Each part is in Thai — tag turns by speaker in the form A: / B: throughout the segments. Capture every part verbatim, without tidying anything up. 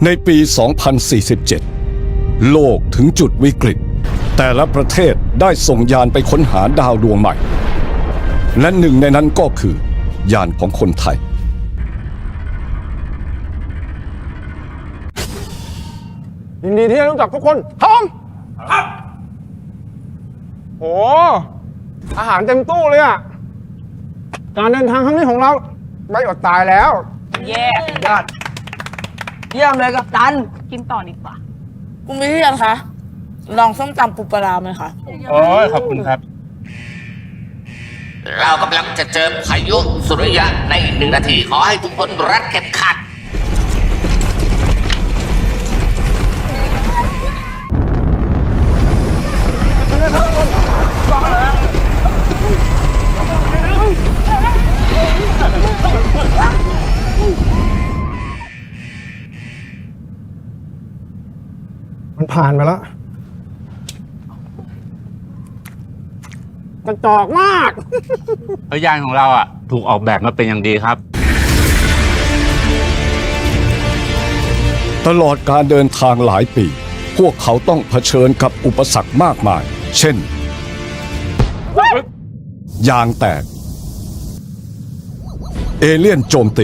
A: ในปี สองพันสี่สิบเจ็ด โลกถึงจุดวิกฤตแต่ละประเทศได้ส่งยานไปค้นหาดาวดวงใหม่และหนึ่งในนั้นก็คือยานของคนไทย
B: ยินดีที่ได้รู้จักทุกคนทอมโอ้อาหารเต็มตู้เลยอ่ะการเดินทางครั้งนี้ของเราไม่อดตายแล้ว
C: เย่
D: ยอดเยี่ยมเลยกัปตัน
C: กินต่อดีกว่า
D: คุณวิเชียรคะลองส้มตำปูปลาร้าไหมคะ
B: โอ้ยขอบคุณครับ
E: เรากำลังจะเจอพายุสุริยะในอีกหนึ่งนาที ขอให้ทุกคนรัดเข็มขัด
B: มันผ่านไปแล้วกระจอกมาก
F: เพราะยานของเราอ่ะถูกออกแบบมาเป็นอย่างดีครับ
A: ตลอดการเดินทางหลายปี พวกเขาต้องเผชิญกับอุปสรรคมากมาย เช่น ยางแตก เอเลี่ยนโจมตี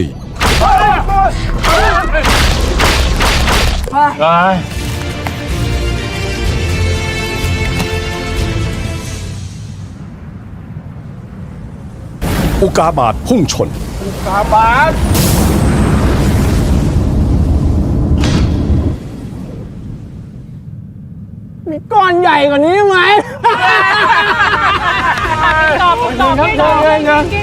A: อุกกาบาตพุ่งชน
B: กาบาสมีก้อนใหญ่กว่านี้ไหม
C: ตอบตอบไม่ตอบกิน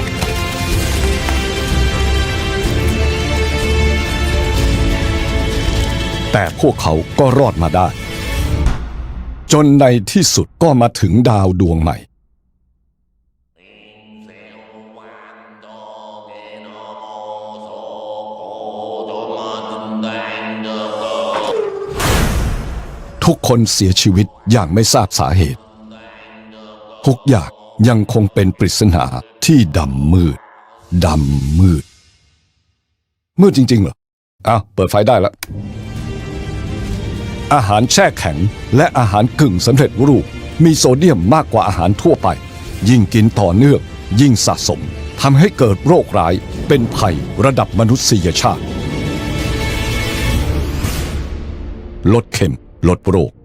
A: แต่พวกเขาก็รอดมาได้ จนในที่สุดก็มาถึงดาวดวงใหม่ ทุกคนเสียชีวิตอย่างไม่ทราบสาเหตุ ทุกอย่างยังคงเป็นปริศนาที่ดำมืด ดำมืด มืดจริงๆเหรออ้าวเปิดไฟได้แล้ว อาหารแช่แข็งและอาหารกึ่งสำเร็จรูปมีโซเดียมมากกว่าอาหารทั่วไป ยิ่งกินต่อเนื่องยิ่งสะสมทำให้เกิดโรคร้ายเป็นภัยระดับมนุษยชาติ ลดเค็มลดโรค